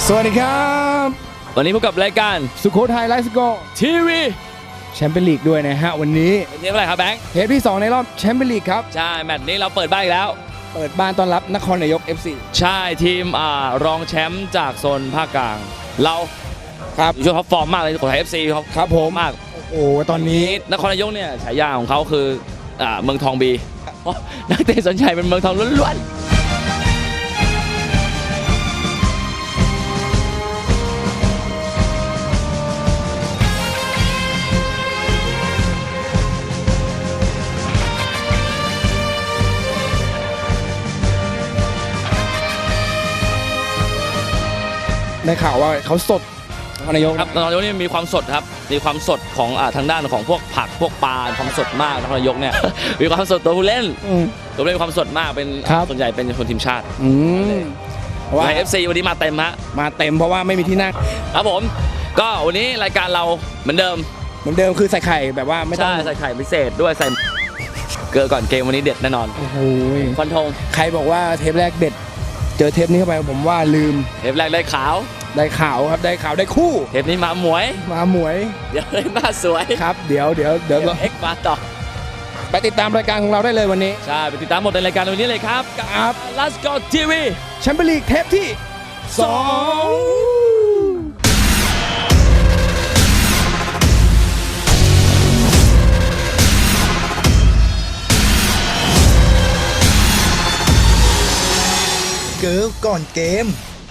สวัสดีครับวันนี้พบกับรายการสุโขทัยไลฟ์สกอร์ทีวีแชมเปี้ยนลีกด้วยนะฮะวันนี้เป็นเทปอะไรครับแบงค์เทปที่2ในรอบแชมเปี้ยนลีกครับใช่แมตช์นี้เราเปิดบ้านอีกแล้วเปิดบ้านต้อนรับนครนายก FC ใช่ทีมรองแชมป์จากโซนภาคกลางเราครับช่วงท็อปฟอร์มมากเลยสุโขทัย FC ครับผมมากโอ้ตอนนี้นครนายกเนี่ยฉายาของเขาคือเมืองทองบีนักเตะสนใจเป็นเมืองทองล้วนได้ข่าวว่าเขาสดนครนายกครับนครนายกนี่มีความสดครับมีความสดของทางด้านของพวกผักพวกปลาความสดมากนครนายกเนี่ย มีความสดตัวผู้เล่นมีความสดมากเป็นส่วนใหญ่เป็นคนทีมชาติว่า FC วันนี้มาเต็มฮะมาเต็มเพราะว่าไม่มีที่นั่งครับผมก็วันนี้รายการเราเหมือนเดิมคือใส่ไข่แบบว่าไม่ต้องใส่ไข่พิเศษด้วยใส่เกลือก่อนเกมวันนี้เด็ดแน่นอนโอ้โหฟันธงใครบอกว่าเทปแรกเด็ดเจอเทปนี้เข้าไปผมว่าลืมเทปแรกได้ข่าวครับได้ข่าวได้คู่เทปนี้มาหมวยเดี๋ยวได้มาสวยครับเดี๋ยวเอ็กมาต่อไปติดตามรายการของเราได้เลยวันนี้ใช่ไปติดตามหมดในรายการวันนี้เลยครับกับ Let's Go TV แชมเปี้ยนลีกเทปที่ 2เกิร์ลก่อนเกม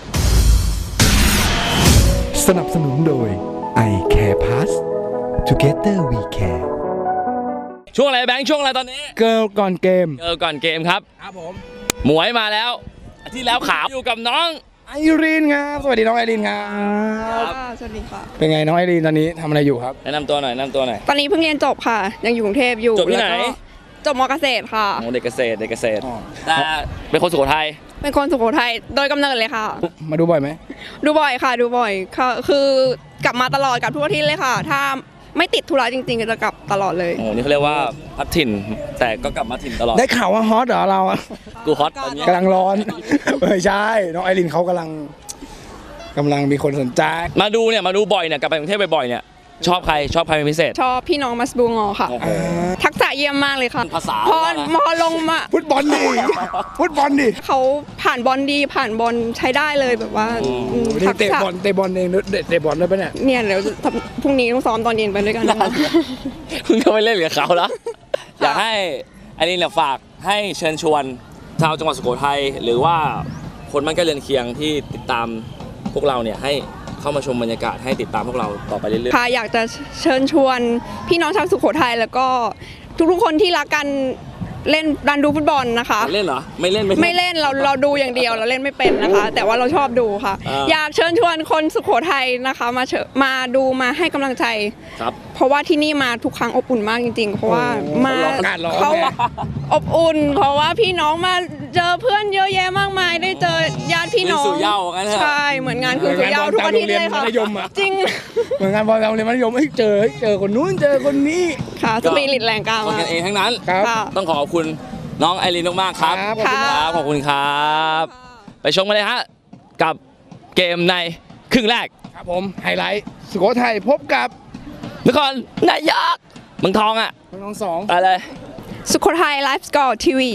สนับสนุนโดย I Care Pass Together We Care ช่วงอะไรแบงค์ช่วงอะไรตอนนี้เกิร์ลก่อนเกมครับผมหมวยมาแล้วที่แล้วขาวอยู่กับน้องไอรีนครับสวัสดีน้องไอรีนครับสวัสดีค่ะเป็นไงน้องไอรีนตอนนี้ทำอะไรอยู่ครับแนะนำตัวหน่อยตอนนี้เพิ่งเรียนจบค่ะยังอยู่กรุงเทพอยู่จบที่ไหนจบม.เกษตรค่ะเด็กเกษตรแต่เป็นคนสุโขทัยเป็นคนสุโขทัยโดยกำเนิดเลยค่ะมาดูบ่อยไหมดูบ่อยค่ะคือกลับมาตลอดกับทุกอาทิตย์เลยค่ะถ้าไม่ติดธุระจริงๆจะกลับตลอดเลยโอ้นี่เขาเรียกว่าพัดถิ่นแต่ก็กลับมาถิ่นตลอดได้ข่าวว่าฮอตเหรอเราอะกูฮอตตอนนี้กำลังร้อนไม่ใช่น้องไอรีนเขากำลังมีคนสนใจมาดูบ่อยเนี่ยกลับไปกรุงเทพบ่อยๆเนี่ยชอบใครเป็นพิเศษชอบพี่น้องมัสบูงอค่ะทักษะเยี่ยมมากเลยค่ะภาษาพอลงมาฟุตบอลดิเขาผ่านบอลดีผ่านบอลใช้ได้เลยแบบว่าทักษะเตะบอลเองเตะบอลได้ปะเนี่ยเดี๋ยวพรุ่งนี้ต้องซ้อมตอนเย็นไปด้วยกันนะคะคุณก็ไม่เล่นกับเขาแล้วอยากให้อันนี้เนี่ยฝากให้เชิญชวนชาวจังหวัดสุโขทัยหรือว่าคนบ้านใกล้เรือนเคียงที่ติดตามพวกเราเนี่ยให้เข้ามาชมบรรยากาศให้ติดตามพวกเราต่อไปเรื่อยๆค่ะอยากจะเชิญชวนพี่น้องชาวสุโขทัยแล้วก็ทุกๆคนที่รักกันเล่นดันดูฟุตบอลนะคะเล่นเหรอไม่เล่นเราดูอย่างเดียวเราเล่นไม่เป็นนะคะแต่ว่าเราชอบดูค่ะอยากเชิญชวนคนสุโขทัยนะคะมาดูมาให้กำลังใจครับเพราะว่าที่นี่มาทุกครั้งอบอุ่นมากจริงๆเพราะว่ามาเขาอบอุ่นเพราะว่าพี่น้องมาเจอเพื่อนเยอะแยะมากมายได้เจอญาติพี่น้องใช่เหมือนงานคือสุเหย้าทุกอาทิตย์เลยค่ะจริงเหมือนงานบอลโรงเรียนมัธยมเจอคนนู้นเจอคนนี้ค่ะสปิริตแรงกล้าคนกันเองทั้งนั้นต้องขอบคุณน้องไอรีนมากๆครับขอบคุณครับไปชมกันเลยฮะกับเกมในครึ่งแรกครับผมไฮไลท์สุโขทัยพบกับนครนายกเมืองทองเมืองทอง2 อะไรสุโขทัยไลฟ์สกอร์ทีวี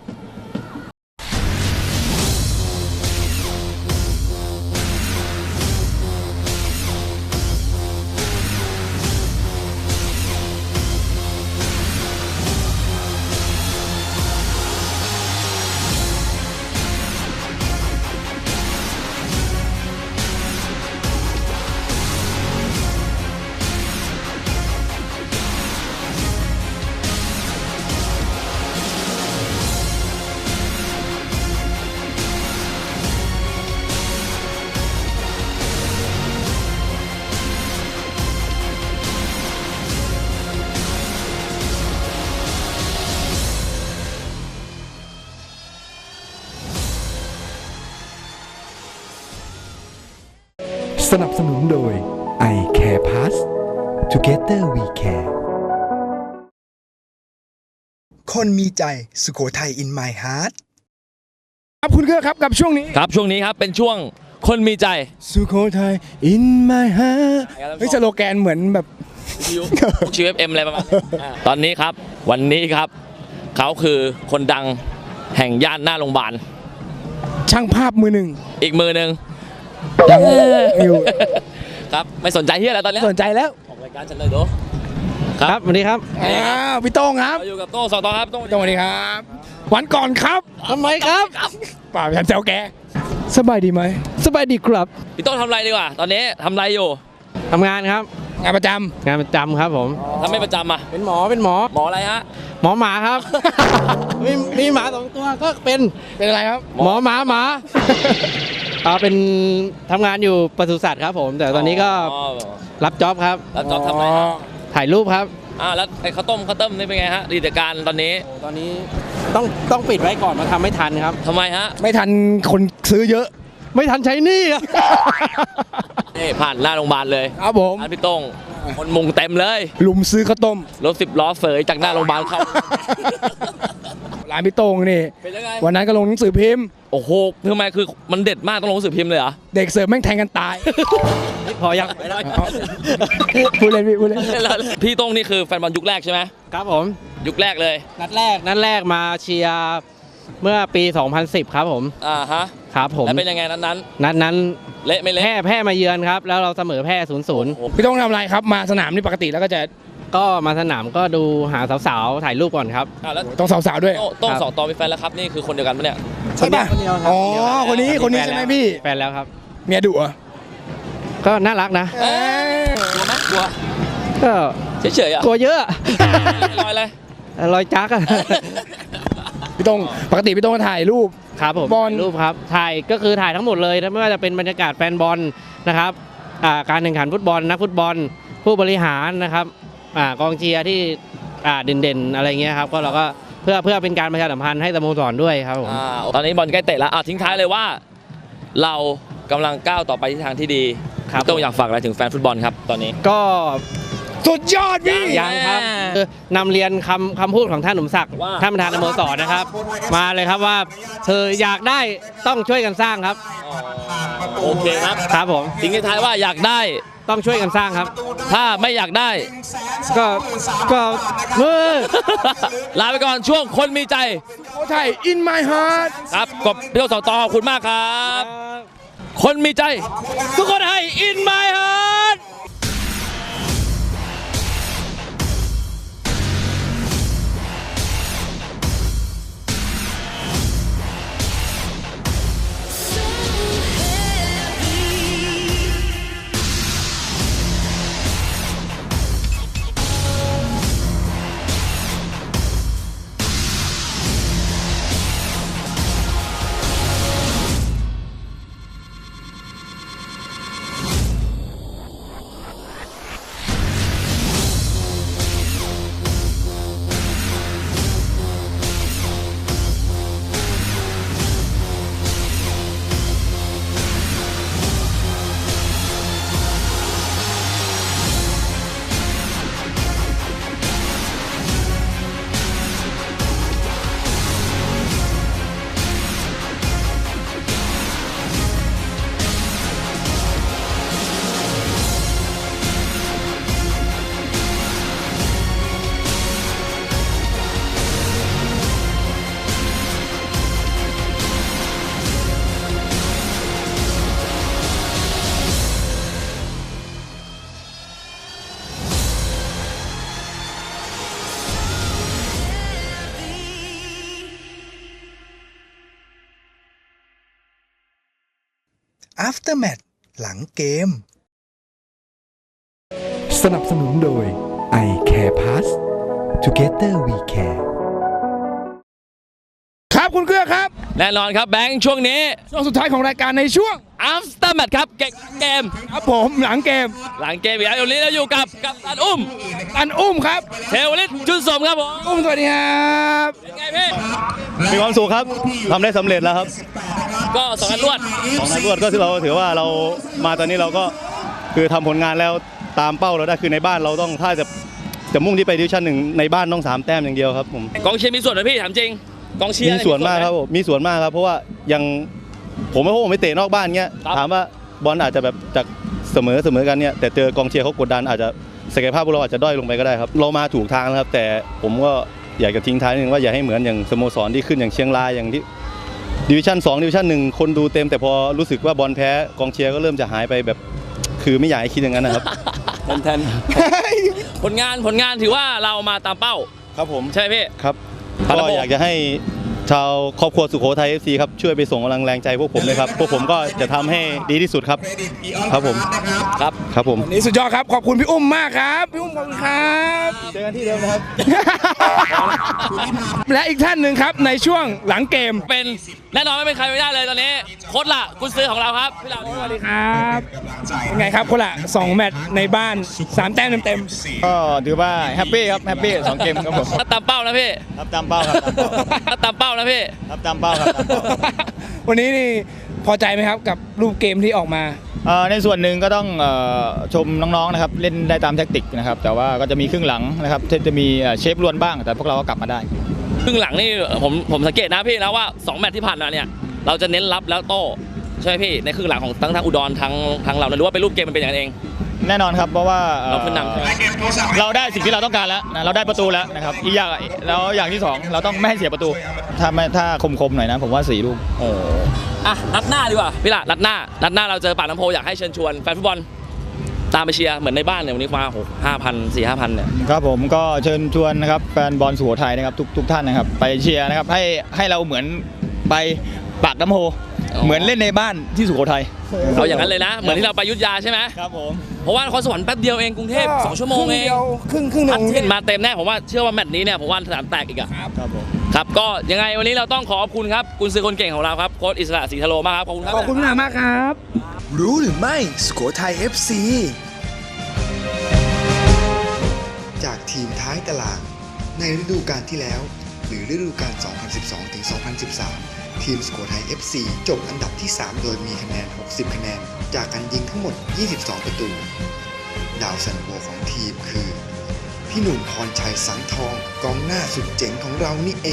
สนับสนุนโดย I Care Pass Together We Care คนมีใจสุโขทัย in my heart ครับคุณเกื้อครับกับช่วงนี้ครับเป็นช่วงคนมีใจสุโขทัย in my heart เฮ้ยสโลแกนเหมือนแบบพวกชีว FM อะไรประมาณนี้ตอนนี้ครับวันนี้ครับเขาคือคนดังแห่งย่านหน้าโรงพยาบาลช่างภาพมือหนึ่งอีกมือหนึ่งยังอยู่ครับไม่สนใจเฮียอะไรตอนเนี้ยสนใจแล้วออกรายการฉันเลยดูครับสวัสดีครับพี่โต้งครับเราอยู่กับโต้งสองต่อครับโต้งสวัสดีครับ วันก่อนครับทำไมครับป่าวฉันแซวแกสบายดีไหมสบายดีครับพี่โต้งทำอะไรดีกว่าตอนนี้ทำอะไรอยู่ทำงานครับงานประจงานประจำครับผมทำไม่ประจำอ่ะเป็นหมอ เป็นหมอหมออะไรฮะหมอหมาครับ มีหมา2 ตัวก็เป็นำเป็นอะไรครับหมอหมาหมา เป็นทำงานอยู่ปศุสัตว์ครับผม แต่ตอนนี้ก็รับจ็อบครับแล้วจอบทำอะไรฮะถ่ายรูปครับแล้วไอ้ข้าวต้มนี่เป็นไงฮะกิจการตอนนี้ตอนนี้ต้องปิดไว้ก่อนมาทำไม่ทันครับทำไมฮะไม่ทันคนซื้อเยอะไม่ทันใช้หนี้อะนี่ผ่านหน้าโรงพยาบาลเลยครับผมร้านพี่โต้งคนมุงเต็มเลยลุมซื้อข้าวต้มรถ10 ล้อเสยจากหน้าโรงพยาบาลเข้าร้านพี่โต้งนี่เป็นยังไงวันนั้นก็ลงหนังสือพิมพ์โอ้โหทำไมคือมันเด็ดมากต้องลงหนังสือพิมพ์เลยเหรอเด็กเสิร์ฟแม่งแทงกันตายพอยังพูดเล่นพี่พูดเล่นพี่โต้งนี่คือแฟนบอลยุคแรกใช่ไหมครับผมยุคแรกเลยนัดแรกมาเชียร์เมื่อปี 2010 ครับผมฮะครับผมแล้วเป็นยังไงนั้นนัดนั้นเละไม่เละแพ้มาเยือนครับ แล้วเราเสมอแพ้0-0 พี่โต้งทำอะไรครับ มาสนามนี่ปกติแล้วก็จะก็มาสนามก็ดูหาสาวๆถ่ายรูปก่อนครับแล้วต้องสาวๆด้วยโต้งครับสองต่อมีแฟนแล้วครับนี่คือคนเดียวกันปะเนี่ยใช่ป่ะคนเดียวครับอ๋อคนเดียวคนนี้ใช่ไหมพี่แฟนแล้วครับเมียดุเหรอก็น่ารักนะเอ้ยกลัวไหมกลัวก็เฉยๆอ่ะกลัวเยอะลอยเลยรอยจักอะพี่โต้งปกติพี่โต้งก็ถ่ายรูปครับผมบอลรูปครับถ่ายก็คือถ่ายทั้งหมดเลยนะไม่ว่าจะเป็นบรรยากาศแฟนบอลนะครับการแข่งขันฟุตบอลนักฟุตบอล ผู้บริหารนะครับกองเชียร์ที่เด่นๆอะไรเงี้ยครับก็เราก็เพื่อเป็นการประชาสัมพันธ์ให้สโมสรด้วยครับผมตอนนี้บอลใกล้เตะแล้วทิ้งท้ายเลยว่าเรากำลังก้าวต่อไปที่ทางที่ดีครับพี่โต้งอยากฝากอะไรถึงแฟนฟุตบอลครับตอนนี้ก็สุดยอดพี่ยังครับนำเรียนคำพูดของท่านหนุ่มศักดิ์ว่าท่านประธานสโมสรนะครับ มาเลยครับว่าเธออยากได้ต้องช่วยกันสร้างครับโอเคครับครับผมทิ้งท้ายว่าอยากได้ต้องช่วยกันสร้างครับถ้าไม่อยากได้ก็มือลาไปก่อนช่วงคนมีใจโอ้ใช่ in my heart ครับกบพี่โต้งสองต่อขอบคุณมากครับ คนมีใจ ทุกคนให้ in my heart 'After Match หลังเกมสนับสนุนโดย i Care Pass Together We Care ครับคุณเกื้อครับแน่นอนครับแบงค์ช่วงนี้ช่วงสุดท้ายของรายการในช่วง after match ครับเกมครับผมหลังเกมหลังเกมอีกแล้ววันนี้เราอยู่กับตันอุ้มอันอุ้มครับเทวลิตจุนสมครับผมอุ้มสวัสดีครับเป็นไงพี่มีความสุขครับทำได้สำเร็จแล้วครับก็สองนัดรวดของนัดรวดก็เราถือว่าเรามาตอนนี้เราก็คือทำผลงานแล้วตามเป้าเราได้คือในบ้านเราต้องถ้าจะมุ่งที่ไปดิวิชั่น 1ในบ้านต้อง3 แต้มอย่างเดียวครับผมกองเชียร์มีส่วนไหมพี่ถามจริงกองเชียร์มีส่วนมากครับผมมีส่วนมากครับเพราะว่ายังผมไม่เตะนอกบ้านเงี้ยครับถามว่าบอลอาจจะแบบจากเสมอกันเนี่ยแต่เจอกองเชียร์เขากดดันอาจจะศักยภาพพวกเราอาจจะด้อยลงไปก็ได้ครับเรามาถูกทางแล้วครับแต่ผมก็อยากจะทิ้งท้ายนิดนึงว่าอย่าให้เหมือนอย่างสโมสรที่ขึ้นอย่างเชียงรายอย่างที่ดิวิชั่น2ดิวิชั่น1คนดูเต็มแต่พอรู้สึกว่าบอลแพ้กองเชียร์ก็เริ่มจะหายไปแบบคือไม่อยากให้คิดอย่างนั้นนะครับแทนผลงานถือว่าเรามาตามเป้าครับผมใช่พี่ครับครับก็อยากจะให้ชาวครอบครัวสุโขทัย FC ครับช่วยไปส่งกำลังแรงใจพวกผมเลยครับพวกผมก็จะทำให้ดีที่สุดครับครับผมครับครับผมวันนี้สุดยอดครับขอบคุณพี่อุ้มมากครับพี่อุ้มขอบคุณครับเจอกันที่เดิมนะครับและอีกท่านหนึ่งครับในช่วงหลังเกมเป็นแน่นอนไม่เป็นใครไม่ได้เลยตอนนี้โค้ชละกุญซื้อของเราครับพี่หลังสวัสดีครับเป็นไงครับคนละ2แมตช์ในบ้าน3แต้มเต็มก็ถือว่าแฮปปี้ครับแฮปปี้2 เกมครับผมตามเป้านะพี่รับตามเป้าครับตามเป้านะพี่รับตามเป้าครับๆ วันนี้นี่พอใจไหมครับกับรูปเกมที่ออกมาในส่วนหนึ่งก็ต้องชมน้องๆนะครับเล่นได้ตามแท็กติกนะครับแต่ว่าก็จะมีครึ่งหลังนะครับที่จะมีเชฟล้วนบ้างแต่พวกเราก็กลับมาได้ครึ่งหลังนี่ผมสังเกตนะพี่นะว่า2แมตช์ที่ผ่านมาเนี่ยเราจะเน้นรับแล้วโต้ใช่ไหมพี่ในครึ่งหลังของทั้งอุดรทั้งเราหรือว่าเป็นรูปเกมมันเป็นอย่างนั้นเองแน่นอนครับเพราะว่าเราขึ้นนำใช่ไหมเราได้สิ่งที่เราต้องการแล้วนะเราได้ประตูแล้วนะครับอีกอย่างแล้วอย่างที่ 2 เราต้องไม่ให้เสียประตูถ้าคมๆหน่อยนะผมว่า4 ลูกโอ้อะนัดหน้าดีกว่าพี่ละนัดหน้าเราเจอปากน้ำโพอยากให้เชิญชวนแฟนฟุตบอลตามไปเชียร์เหมือนในบ้านเนี่ยวันนี้มา5,000 เนี่ยครับผมก็เชิญชวนนะครับแฟนบอลสุโขทัยนะครับทุกท่านนะครับไปเชียร์นะครับให้เราเหมือนไปปากน้ำโพอ๋อเหมือนเล่นในบ้านที่สุโขทัยเอาอย่างนั้นเลยนะ เหมือนที่เราไปอยุทธยาใช่ไหมครับผมเพราะว่านครสวรรค์แป๊บเดียวเองกรุงเทพ2 ชั่วโมงเองครึ่งหนึ่อัดงเห็นมาเต็มแน่ผมว่าเชื่อว่าแมตช์นี้เนี่ยผมว่าสนามแตกอีกอะครับผมครับก็ยังไงวันนี้เราต้องขอบคุณครับกุนซือคนเก่งของเราครับโค้ชอิสระศรีทะโลมากครับขอบคุณครับขอบคุณมากครับรู้หรือไม่สุโขทัย FC จากทีมท้ายตารางในฤดูกาลที่แล้ว หรือฤดูกาล 2012-2013 ทีมสุโขทัย FC จบอันดับที่ 3 โดยมีคะแนน 60 คะแนน จากการยิงทั้งหมด 22 ประตู ดาวซันโวของทีมคือ พี่หนุ่มพรชัยสังทองกองหน้าสุดเจ๋งของเรานี่เอง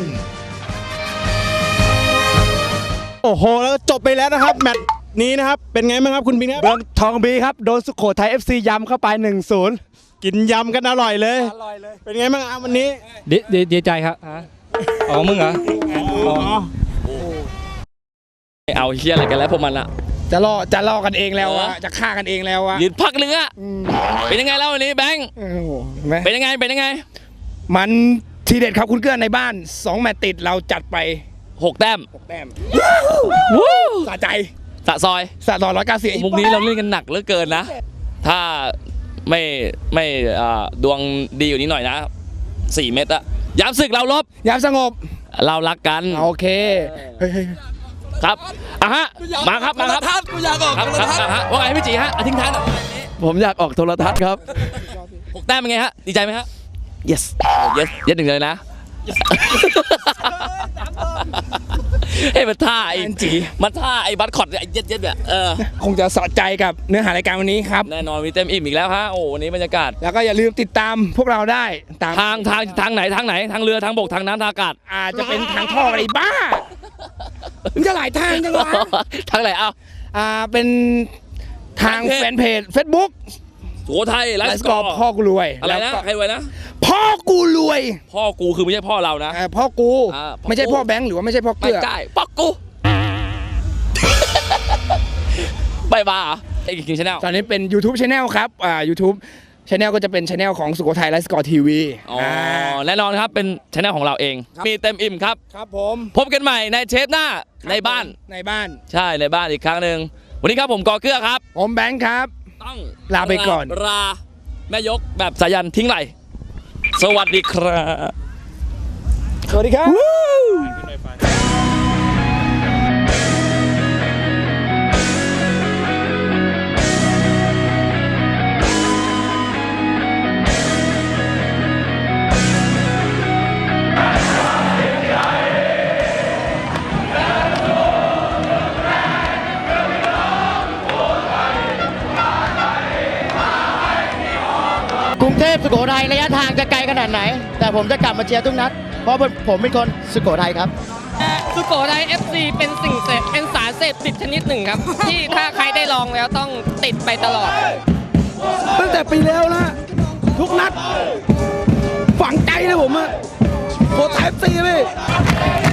โอ้โหแล้วจบไปแล้วนะครับแมตช์นี้นะครับเป็นไงบ้างครับคุณบินครับเมืองทองบีครับโดนสุโขทัย FC ยำเข้าไป 1-0 กินยำกันอร่อยเลย เป็นไงบ้างวันนี้ดีใจครับอ๋อมึงเหรอเอาเฮียอะไรกันแล้วพวกมันอะจะล่อกันเองแล้วอะจะฆ่ากันเองแล้วอะยืนพักนึงอะเป็นยังไงแล้ววันนี้แบงค์โอ้โหเห็นไหมเป็นยังไงมันทีเด็ดครับคุณเกื้อในบ้าน 2 แมตช์ติดเราจัดไป 6 แต้ม 6 แต้มวู้สะใจสะซอยสะต่อ190 มุกนี้เราเล่นกันหนักเหลือเกินนะ ถ้าไม่ดวงดีอยู่นี้หน่อยนะ 4 เม็ดอะยามศึกเราลบยามสงบเรารักกันโอเคเฮ้ยครับอ่ะฮะมาครับกูอยากออกโทรทัศน์ฮะว่าไงพี่จีฮะทิ้งท้ายหน่อยผมอยากออกโทรทัศน์ครับ 6 แต้มเป็นไงฮะดีใจไหมฮะ yes yes หนึ่งเลยนะ เฮ้ยมันท่าไอ้ไอ้บัตคอตไอ้เย็ดเนี่ยคงจะสะใจกับเนื้อหารายการวันนี้ครับแน่นอนมีเต็มอิ่มอีกแล้วฮะโอ้วันนี้บรรยากาศแล้วก็อย่าลืมติดตามพวกเราได้ตามทางไหนทางเรือทางบกทางน้ำทางอากาศอาจจะเป็นทางท่ออะไรบ้ามันจะหลายทางจังวะทางไหนเอาเป็นทางแฟนเพจ Facebook สุโขทัยไลไลฟ์ฟ์สสกกออร์ร์พ่อกูรวยอะไรนะแล้วก็ใครรวยนะพ่อกูรวยพ่อกูคือไม่ใช่พ่อเรานะพ่อกูอ่าพ่อกูไม่ใช่พ่อแบงค์หรือว่าไม่ใช่พ่อไม่เกื้อใช่พ่อกูไปบ้าเหรอไอ้กิงชาแนลตอนนี้เป็น YouTube Channel ครับYouTube Channel ก็จะเป็น Channel ของสุโขทัยไลฟ์สกอร์ทีวีอ๋อแน่นอนครับเป็นชาแนลของเราเอง มีเต็มอิ่มครับครับผมพบกันใหม่ในเทปหน้าในบ้านในบ้านใช่ในบ้านอีกครั้งหนึ่งวันนี้ครับผมกอเกื้อครับผมแบงค์ครับต้องลาไปก่อนลาแม่ยกแบบสายันทิ้งไหลสวัสดีครับสวัสดีครับกรุงเทพสุโขทัยระยะทางจะไกลขนาดไหน แต่ผมจะกลับมาเชียร์ทุกนัด เพราะผมเป็นคนสุโขทัยครับสุโขทัย FC เป็นเป็นสารเสพติดชนิดหนึ่งครับ ที่ถ้าใครได้ลองแล้วต้องติดไปตลอดตั้งแต่ปีแล้วนะ ทุกนัด ฝังใจเลยผมอะโคตรแทบซีเลย